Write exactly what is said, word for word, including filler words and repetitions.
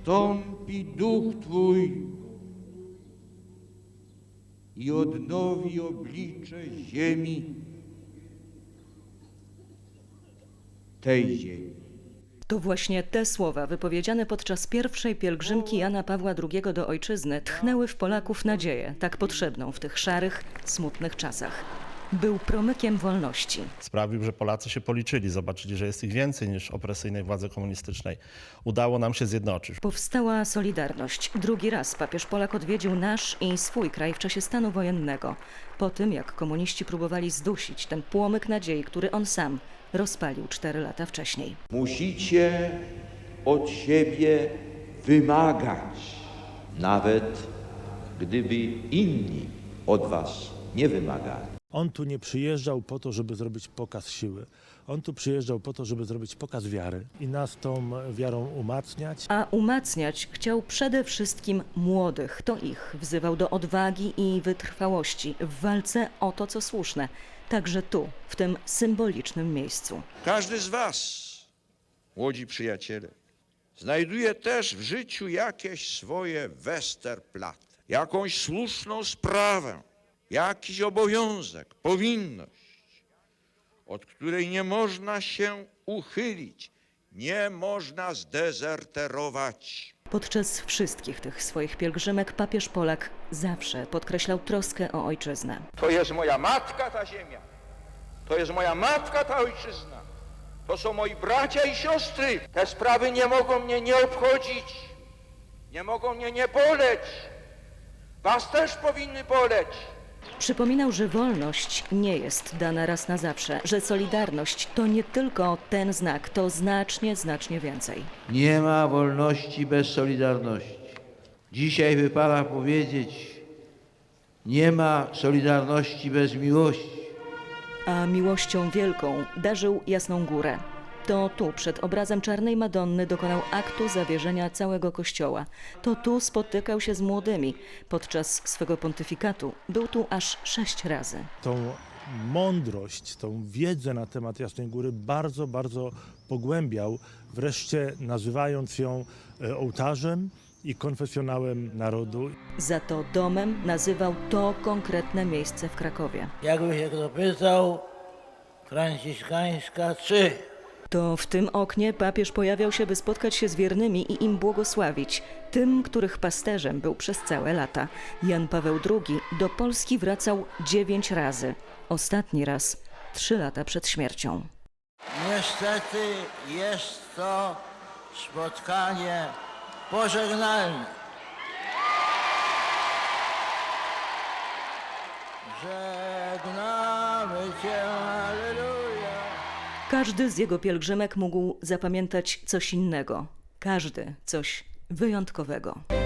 zstąpi duch Twój i odnowi oblicze ziemi, tej ziemi. To właśnie te słowa wypowiedziane podczas pierwszej pielgrzymki Jana Pawła drugiego do ojczyzny tchnęły w Polaków nadzieję, tak potrzebną w tych szarych, smutnych czasach. Był promykiem wolności. Sprawił, że Polacy się policzyli, zobaczyli, że jest ich więcej niż opresyjnej władzy komunistycznej. Udało nam się zjednoczyć. Powstała Solidarność. Drugi raz papież Polak odwiedził nasz i swój kraj w czasie stanu wojennego. Po tym, jak komuniści próbowali zdusić ten płomyk nadziei, który on sam rozpalił cztery lata wcześniej. Musicie od siebie wymagać, nawet gdyby inni od was nie wymagali. On tu nie przyjeżdżał po to, żeby zrobić pokaz siły. On tu przyjeżdżał po to, żeby zrobić pokaz wiary i nas tą wiarą umacniać. A umacniać chciał przede wszystkim młodych. To ich wzywał do odwagi i wytrwałości w walce o to, co słuszne. Także tu, w tym symbolicznym miejscu. Każdy z was, młodzi przyjaciele, znajduje też w życiu jakieś swoje Westerplatte, jakąś słuszną sprawę, jakiś obowiązek, powinność, od której nie można się uchylić, nie można zdezerterować. Podczas wszystkich tych swoich pielgrzymek papież Polak zawsze podkreślał troskę o ojczyznę. To jest moja matka ta ziemia, to jest moja matka ta ojczyzna, to są moi bracia i siostry. Te sprawy nie mogą mnie nie obchodzić, nie mogą mnie nie boleć, was też powinny boleć. Przypominał, że wolność nie jest dana raz na zawsze, że solidarność to nie tylko ten znak, to znacznie, znacznie więcej. Nie ma wolności bez solidarności. Dzisiaj wypada powiedzieć, nie ma solidarności bez miłości. A miłością wielką darzył Jasną Górę. To tu przed obrazem Czarnej Madonny dokonał aktu zawierzenia całego kościoła. To tu spotykał się z młodymi. Podczas swego pontyfikatu był tu aż sześć razy. Tą mądrość, tą wiedzę na temat Jasnej Góry bardzo, bardzo pogłębiał, wreszcie nazywając ją ołtarzem i konfesjonałem narodu. Za to domem nazywał to konkretne miejsce w Krakowie. Jakby się kto pytał, Franciszkańska trzy. To w tym oknie papież pojawiał się, by spotkać się z wiernymi i im błogosławić, tym, których pasterzem był przez całe lata. Jan Paweł drugi do Polski wracał dziewięć razy. Ostatni raz trzy lata przed śmiercią. Niestety jest to spotkanie pożegnalne. Żegnamy Cię, Alleluja. Każdy z jego pielgrzymek mógł zapamiętać coś innego. Każdy coś wyjątkowego.